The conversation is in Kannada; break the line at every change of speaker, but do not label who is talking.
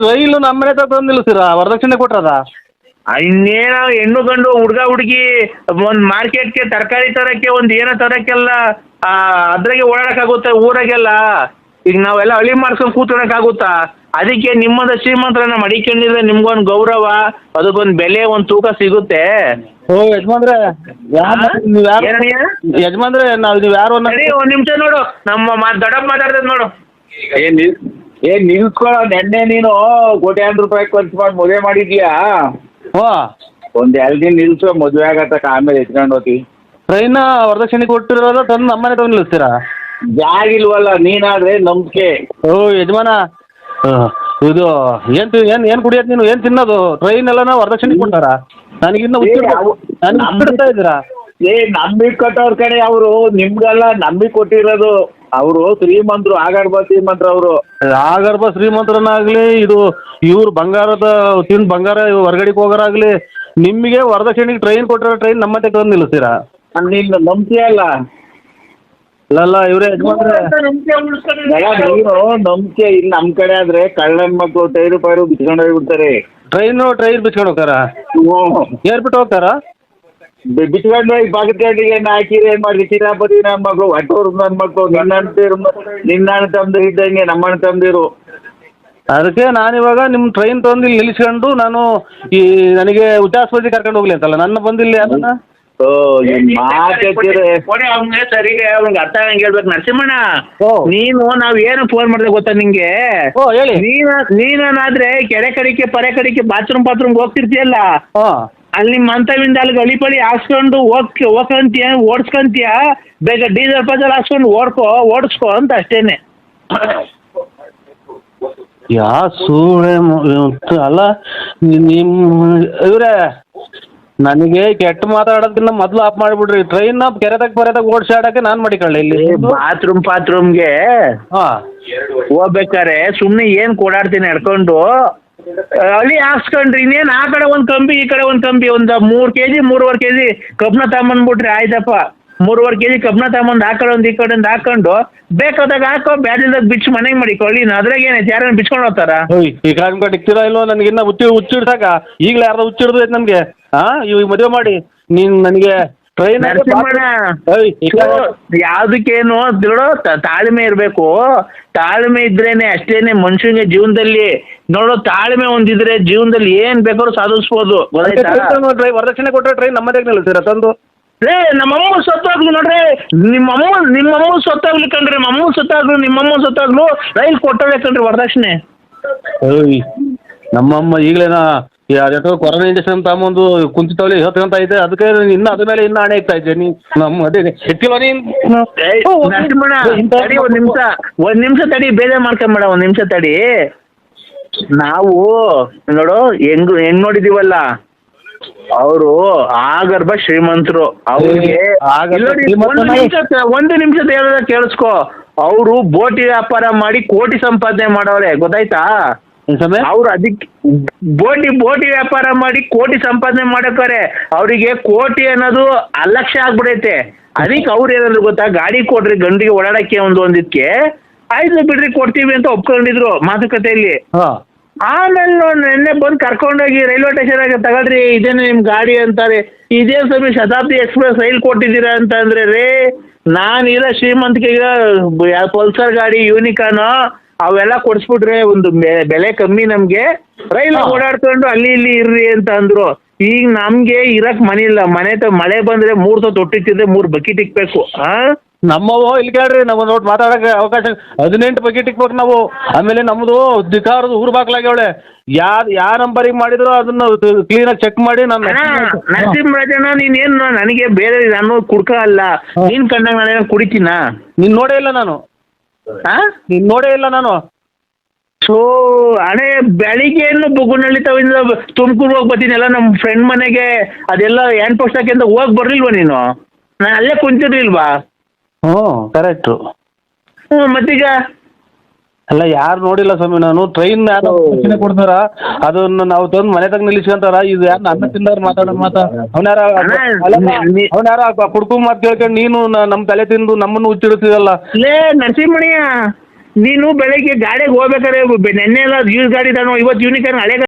ರೈಲು ನಮ್ಮ ಮನೆ ತಂದು ನಿಲ್ಲಿಸ್ತೀರಾ? ವರದಕ್ಷಿಣೆ ಕೊಟ್ರದ?
ಇನ್ನೇನೋ ಹೆಣ್ಣು ಗಂಡು ಹುಡುಗ ಹುಡುಗಿ ಒಂದು ಮಾರ್ಕೆಟ್ಗೆ ತರಕಾರಿ ತರಕ್ಕೆ ಒಂದು ಏನೋ ತರಕ್ಕೆಲ್ಲ ಅದ್ರಾಗೆ ಓಡಾಡಕ್ಕಾಗುತ್ತೆ ಊರಾಗೆಲ್ಲ. ಈಗ ನಾವೆಲ್ಲ ಹಳ್ಳಿ ಮಾಡ್ಸ್ಕೊಂಡು ಕೂತ್ಕೊಳಕ್ಕಾಗುತ್ತಾ? ಅದಕ್ಕೆ ನಿಮ್ಮದ ಶ್ರೀಮಂತರನ್ನ ಮಡಿಕೊಂಡಿದ್ರೆ ನಿಮ್ಗೊಂದು ಗೌರವ, ಅದಕ್ಕೊಂದು ಬೆಲೆ, ಒಂದು ತೂಕ ಸಿಗುತ್ತೆ.
ಓ ಯಜಮಾನ್ರೆ, ಯಜಮಾನ್ರೆ ನೀವು ಯಾರು?
ಒಂದು ನಿಮಿಷ ನೋಡು, ನಮ್ಮ ದೊಡ್ಡಪ್ಪ ಮಾತಾಡ್ತದ ನೋಡು.
ಏನ್ ನಿಲ್ಸ್ಕೊಳ್ಳೋ ನೆನ್ನೆ ನೀನು ಕೋಟ್ಯಾಂತರ ರೂಪಾಯಿ ಖರ್ಚು ಮಾಡಿ ಮದುವೆ ಮಾಡಿದ್ಯಾ?
ಹೋ,
ಒಂದ್ 2 ದಿನ ನಿಲ್ಸು, ಮದುವೆ ಆಗತ್ತಕ ಆಮೇಲೆ ಎತ್ಕೊಂಡು ಹೋಗಿ.
ಟ್ರೈನ್ ವರದಕ್ಷಿಣೆ ಕೊಟ್ಟಿರೋದ ತಂದು ನಮ್ಮನೆ ತಂದು ನಿಲ್ಲಿಸ್ತೀರಾ?
ಜಾಗ ಇಲ್ವಲ್ಲ, ನೀನಾದ್ರೆ ನಂಬಿಕೆ.
ಓ ಯಜಮಾನ, ಇದು ಏನ್ ಕುಡಿಯೋದು ನೀನು? ಏನ್ ತಿನ್ನೋದು? ಟ್ರೈನ್ ಎಲ್ಲ ವರದಕ್ಷಿಣೆ ಕೊಡ್ತಾರ? ನನಗಿನ್ನ ಬಿಡ್ತಾ ಇದ್ದೀರಾ?
ನಂಬಿಕೆ ಕೊಟ್ಟವ್ರ ಕಡೆ ಅವರು, ನಿಮ್ಗೆಲ್ಲ ನಂಬಿಕೆ ಕೊಟ್ಟಿರೋದು ಅವರು. ಶ್ರೀಮಂತರು, ಆಗರ್ಭ ಶ್ರೀಮಂತರು ಅವರು.
ಆಗರ್ಭ ಶ್ರೀಮಂತರನ್ನಾಗ್ಲಿ, ಇದು ಇವ್ರು ಬಂಗಾರದ ತಿಂದು ಬಂಗಾರ ಹೊರಗಡೆಗೆ ಹೋಗೋರಾಗ್ಲಿ, ನಿಮಗೆ ವರದಕ್ಷಿಣೆಗೆ ಟ್ರೈನ್ ಕೊಟ್ಟಿರೋ ಟ್ರೈನ್ ನಮ್ಮ ತಂದು ನಿಲ್ಲಿಸ್ತೀರಾ?
ನೀನು ನಂಬ್ತೀಯಲ್ಲ?
ಅಲ್ಲ ಇವ್ರೆ ಯಜಮಾನ್ರೆ,
ನೀನು ನಂಬಿಕೆ ಇಲ್ಲಿ ನಮ್ಮ ಕಡೆ ಆದ್ರೆ ಕಳ್ಳನ್ ಮಕ್ಕಳು ಟೈರು ಪೈರು ಬಿಚ್ಕೊಂಡು ಹೋಗ್ಬಿಡ್ತಾರೆ.
ಟ್ರೈನ್ ಬಿಚ್ಕೊಂಡು ಹೋಗ್ತಾರ? ಏರ್ಬಿಟ್ಟು ಹೋಗ್ತಾರ?
ಬಿಚ್ಕೊಂಡು ಹೋಗಿ ಬಾಗಟ್ಟಿಗೆ ಹಾಕಿರಿ. ಏನ್ ಮಾಡಿ ಕಿರಾಪತಿ ನನ್ನ ಮಕ್ಕಳು, ಹೊಟ್ಟೋರ್ ನನ್ನ ಮಕ್ಕಳು, ನಿನ್ನ ಅಣ್ಣ ತಮ್ಮದಿರು ಇದ್ದಂಗೆ ನಮ್ಮ ಅಣ್ಣ ತಮ್ಮದಿರು.
ಅದಕ್ಕೆ ನಾನಿವಾಗ ನಿಮ್ಮ ಟ್ರೈನ್ ತಂದು ಇಲ್ಲಿ ನಿಲ್ಲಿಸ್ಕೊಂಡು ನಾನು ನನಗೆ ಉಚ್ಚಾಸ್ಪತ್ರೆ ಕರ್ಕೊಂಡು ಹೋಗ್ಲಿ ಅಂತಲ್ಲ, ನನ್ನ ಬಂದಿಲ್ಲ ಅದನ್ನ.
ಸರಿಗೆ ಅವ್ನಿಗೆ ಅರ್ಥ ಆಗಂಗೆ ಹೇಳ್ಬೇಕು. ನರಸಿಂಹಣ್ಣ, ನೀನು ನಾವ್ ಏನು ಫೋನ್ ಮಾಡಿದೆ ಗೊತ್ತಾ ನಿಂಗೆ?
ಹೇಳಿ.
ನೀನಾದ್ರೆ ಕೆರೆ ಕಡಿಕೆ ಪರೆ ಕಡಿಕೆ ಬಾತ್ರೂಮ್ ಹೋಗ್ತಿರ್ತೀಯಲ್ಲ, ಅಲ್ಲಿ ನಿಮ್ಮ ಮಂತವಿಂದ ಅಲ್ಲಿ ಗಳಿ ಹಾಕ್ಸ್ಕೊಂಡು ಹೋಗ್ಕಂತೀಯ, ಓಡಿಸ್ಕೊಂತೀಯ. ಬೇಗ ಡೀಸೆಲ್ ಪಜಲ್ ಹಾಕ್ಸ್ಕೊಂಡು ಓಡಿಸ್ಕೊ ಅಂತ ಅಷ್ಟೇನೆ.
ಸೂಳೆ ಅಲ್ಲ ನಿಮ್ಮ ಇವ್ರೆ, ನನಗೆ ಕೆಟ್ಟ ಮಾತಾಡೋದನ್ನ ಮೊದಲು ಆಫ್ ಮಾಡಿಬಿಡ್ರಿ. ಟ್ರೈನ್ ಕೆರೆದಾಗ ಪರೆದಾಗ ಓಡಿಸಾಡಕ್ಕೆ ನಾನು ಮಾಡಿಕೊಳ್ಳಿ. ಇಲ್ಲಿ
ಬಾತ್ರೂಮ್ಗೆ ಹೋಗ್ಬೇಕಾರೆ ಸುಮ್ಮನೆ ಏನು ಓಡಾಡ್ತೀನಿ ನಡ್ಕೊಂಡು, ಹಳ್ಳಿ ಹಾಕ್ಸ್ಕೊಂಡ್ರಿ. ಇನ್ನೇನು ಆ ಕಡೆ ಒಂದು ಕಂಬಿ ಈ ಕಡೆ ಒಂದು ಕಂಬಿ, ಒಂದು 3 kg 3.5 kg ಕಬ್ಬನ ತಗೊಂಬಂದ್ಬಿಟ್ರಿ ಆಯ್ತಪ್ಪ. 3.5 kg ಕಬ್ಬನ ತಗೊಂಬಂದು ಆ ಕಡೆ ಒಂದು ಈ ಕಡೆ ಒಂದು ಹಾಕೊಂಡು ಬೇಕಾದಾಗ ಹಾಕೋ, ಬ್ಯಾಡಿಲ್ದಾಗ ಬಿಚ್ಚು ಮನೆಗೆ ಮಾಡಿಕೊಳ್ಳಿ. ಅದ್ರಾಗ ಏನೈತೆ? ಯಾರನ್ನ ಬಿಚ್ಕೊಂಡು ಹೋಗ್ತಾರ?
ಈ ಕಾಲ ಇಕ್ತೀರಾ ಇಲ್ವೋ? ನನಗಿನ್ನ ಹುಚ್ಚಿಡ್ಸಾಕ ಈಗಲೇ ಯಾರ್ದು ಹುಚ್ಚಿಡ್ದು ಐತೆ ನಮಗೆ. ಇವಾಗ ಮದುವೆ ಮಾಡಿ ನೀನ್ ನನಗೆ ಟ್ರೈನ್
ಯಾವ್ದಕ್ಕೇನು ನೋಡು, ತಾಳ್ಮೆ ಇರಬೇಕು. ತಾಳ್ಮೆ ಇದ್ರೇನೆ ಅಷ್ಟೇನೆ ಮನುಷ್ಯನಿಗೆ ಜೀವನದಲ್ಲಿ. ನೋಡು, ತಾಳ್ಮೆ ಒಂದಿದ್ರೆ ಜೀವನದಲ್ಲಿ ಏನ್ ಬೇಕಾದ್ರೂ ಸಾಧಿಸ್ಬೋದು.
ವರದಕ್ಷಿಣೆ ಕೊಟ್ಟರೆ ಟ್ರೈನ್ ನಮ್ಮದೇ ನಿಲ್ಲಿಸ್ತೀರಾ ತಂದು?
ನಮ್ಮಮ್ಮ ಸತ್ತಾಗ್ಲು ನೋಡ್ರಿ, ನಿಮ್ಮಮ್ಮ ಸತ್ತಾಗ್ಲಿ ಕಣ್ರಿ, ನಮ್ಮಮ್ಮ ಸತ್ತಾಗ್ಲು ನಿಮ್ಮಮ್ಮ ಸತ್ತಾಗ್ಲು ರೈಲ್ ಕೊಟ್ಟೋಳೆ ಕಣ್ರಿ ವರದಕ್ಷಿಣೆ.
ನಮ್ಮಮ್ಮ ಈಗಲೇನಾ ಅದೇಟೋ ಕೊರೋನಾ ಇಂಜೆಕ್ಷನ್ ತಗೊಂಬಂದು ಕುಂತಿತ್ತವಳಿ ಹೇಳ್ತಂತ ಐತೆ. ಅದಕ್ಕೆ ಇನ್ನು ಅದ್ರ ಮೇಲೆ ಇನ್ನು ಹಣೆ ಇಕ್ತಾ ಇದ್ದೆ. ನಮ್ಮ ಅದೇ ಎತ್ತಿಲ್ವ ನೀನು?
ಒಂದ್ ನಿಮಿಷ ತಡಿ, ಬೇಜಾರ್ ಮಾಡ್ಕೊಂಬೇಡ, ಒಂದ್ ನಿಮಿಷ ತಡಿ. ನಾವು ನೋಡು ಹೆಂಗ್ ನೋಡಿದೀವಲ್ಲ, ಅವರು ಆಗರ್ಭ ಶ್ರೀಮಂತರು. ಅವ್ರಿಗೆ ಒಂದು ನಿಮಿಷ ಹೇಳೋದ ಕೇಳಿಸ್ಕೊ. ಅವರು ಬೋಟಿ ವ್ಯಾಪಾರ ಮಾಡಿ ಕೋಟಿ ಸಂಪಾದನೆ ಮಾಡವ್ರೆ, ಗೊತ್ತಾಯ್ತಾ? ಅವ್ರು ಅದಕ್ಕೆ ಬೋಟಿ ವ್ಯಾಪಾರ ಮಾಡಿ ಕೋಟಿ ಸಂಪಾದನೆ ಮಾಡಕ್ಕಾರೆ. ಅವರಿಗೆ ಕೋಟಿ ಅನ್ನೋದು ಅಲಕ್ಷ್ಯ ಆಗ್ಬಿಡೈತೆ. ಅದಕ್ಕೆ ಅವ್ರು ಏನಾದ್ರು ಗೊತ್ತಾ, ಗಾಡಿ ಕೊಡ್ರಿ ಗಂಡಿಗೆ ಓಡಾಡಕ್ಕೆ ಒಂದಿದ್ಕೆ, ಆಯ್ತು ಬಿಡ್ರಿ ಕೊಡ್ತೀವಿ ಅಂತ ಒಪ್ಕೊಂಡಿದ್ರು ಮಾತುಕತೆಯಲ್ಲಿ. ಆಮೇಲೆ ನೆನ್ನೆ ಬಂದು ಕರ್ಕೊಂಡೋಗಿ ರೈಲ್ವೆ ಸ್ಟೇಷನ್ ಆಗಿ ತಗೊಳ್ರಿ, ಇದೇನು ನಿಮ್ ಗಾಡಿ ಅಂತಾರೆ. ಇದೇ ಸಮಯ ಶತಾಬ್ದಿ ಎಕ್ಸ್ಪ್ರೆಸ್ ರೈಲ್ ಕೊಟ್ಟಿದ್ದೀರಾ ಅಂತ ಅಂದ್ರೆ ರೇ, ನಾನಿರೋ ಶ್ರೀಮಂತಿಕೆಗ ಪಲ್ಸರ್ ಗಾಡಿ, ಯೂನಿಕಾನ್ ಅವೆಲ್ಲ ಕೊಡಿಸ್ಬಿಟ್ರೆ ಒಂದು ಬೆಲೆ ಕಮ್ಮಿ ನಮ್ಗೆ, ರೈಲ್ ಓಡಾಡ್ಕೊಂಡು ಅಲ್ಲಿ ಇಲ್ಲಿ ಇರ್ರಿ ಅಂತ ಅಂದ್ರು. ಈಗ ನಮ್ಗೆ ಇರಕ್ ಮನೆ ಇಲ್ಲ. ಮಳೆ ಬಂದ್ರೆ 3 ತೊಟ್ಟಿತ್ತಿದ್ರೆ 3 ಬಕೆಟ್ ಇಕ್ಬೇಕು.
ನಮ್ಮವು ಇಲ್ಲಿ ಕೇಳ್ರಿ, ನಮ್ಮ ನೋಟ್ ಮಾತಾಡಕ್ಕೆ ಅವಕಾಶ 18 ಬಕೆಟ್ ಇಕ್ಬೇಕು ನಾವು. ಆಮೇಲೆ ನಮ್ದು ಧಿಕಾರದ ಊರು ಬಾಗ್ಲಾಗ್ಯವಳೆ. ಯಾ ನಂಬರಿಗೆ ಮಾಡಿದ್ರು ಅದನ್ನ ಕ್ಲೀನಾಗಿ ಚೆಕ್ ಮಾಡಿ
ನರಸಿಂಹರಾಜಣ್ಣ, ನೀನೇನು ನನಗೆ ಬೇರೆ ನಾನು ಕುಡ್ಕ ಅಲ್ಲ, ನೀನ್ ಕಂಡಾಗ ನಾನೇನು ಕುಡಿತೀನ?
ನೀನ್ ನೋಡೇ ಇಲ್ಲ ನಾನು. ನೀನ್ ನೋಡೇ ಇಲ್ಲ ನಾನು.
ಸೊ ಹಣೆ ಬೆಳಿಗ್ಗೆ ಬುಗುನಳ್ಳಿ ತವಿಂದ ತುಮಕೂರು ಹೋಗಿ ಬರ್ತೀನಿ ಎಲ್ಲ ನಮ್ಮ ಫ್ರೆಂಡ್ ಮನೆಗೆ. ಅದೆಲ್ಲ ಹ್ಯಾಂಡ್ ಪೋಸ್ಟ್ ಹಾಕಿಂದ ಹೋಗಿ ಬರ್ಲಿಲ್ವಾ ನೀನು? ನಾನು ಅಲ್ಲೇ ಕುಂತಿರ್ಲಿಲ್ವಾ?
ಕರೆಕ್ಟು.
ಮತ್ತೀಗ
ಅಲ್ಲ, ಯಾರು ನೋಡಿಲ್ಲ ಸ್ವಾಮಿ ನಾನು. ಟ್ರೈನ್ ಯಾರು ಕೊಡ್ತಾರ ಅದನ್ನ ನಾವು ತಂದು ಮನೆ ತಗ ನಿಲ್ಲಿಸ್ಕೊಂತಾರ. ಇದು ಯಾರು ಅನ್ನ ತಿಂದವ್ರು ಮಾತಾಡೋ ಅವನ್ಯಾರ ಕುಡ್ಕು ಮಾತು ಕೇಳ್ಕೊಂಡು ನೀನು ನಮ್ಮ ತಲೆ ತಿಂದು ನಮ್ಮನ್ನು ಹುಚ್ಚಿಡ್ತಿದಲ್ಲ.
ನರಸಿಂಹಣ್ಣ, ನೀನು ಬೆಳಗ್ಗೆ ಗಾಡಿಗೆ ಹೋಗ್ಬೇಕಾದ್ರೆ ನೆನ್ನೆ ಎಲ್ಲ ಯೂಸ್ ಗಾಡಿ ತಾನು ಇವತ್ತು ಯೂನಿಕಾರ್ನ್ ಹಳೆ